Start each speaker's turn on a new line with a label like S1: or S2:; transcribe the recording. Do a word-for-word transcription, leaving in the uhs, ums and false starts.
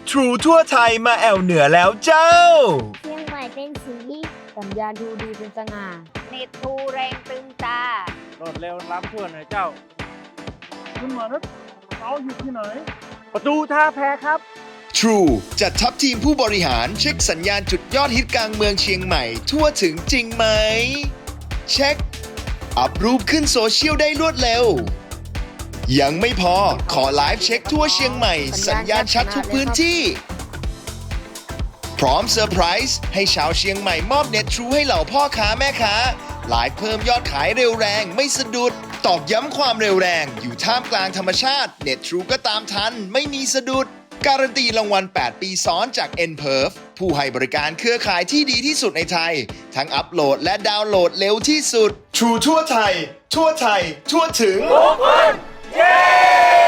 S1: True ทั่วไทยมาแอวเหนือแล้วเจ้า
S2: เชียงใหม่เป็นสี
S3: สัญญาณทูดีเป็นสง่า
S4: เน็ตทูแรงตึงตา
S5: โหลดเร็วล้ำทั่วหน่อยเจ้าคุณหมอครับเอาอยู่ที่ไหน ประตูท่าแพครับ
S1: True จัดทัพทีมผู้บริหารเช็คสัญญาณจุดยอดฮิตกลางเมืองเชียงใหม่ทั่วถึงจริงไหม เช็ค อัพรูปขึ้นโซเชียลได้รวดเร็ว ยังไม่พอขอไลฟ์เช็คทั่วเชียงใหม่ สัญญาณชัดทุกพื้นที่ พร้อมเซอร์ไพรส์ให้ชาวเชียงใหม่มอบเน็ตทรูให้เหล่าพ่อค้าแม่ค้าไลฟ์เพิ่มยอดขายเร็วแรงไม่สะดุด ตอกย้ำความเร็วแรงอยู่ท่ามกลางธรรมชาติเน็ตทรูก็ตามทันไม่มีสะดุด การันตีรางวัล แปด ปีซ้อนจาก เอ็น พี อี อาร์ แอล ผู้ให้บริการเครือข่ายที่ดีที่สุดในไทย ทั้งอัปโหลดและดาวน์โหลดเร็วที่สุด True ทั่วไทย ทั่วไทย ทั่วถึง
S5: เย้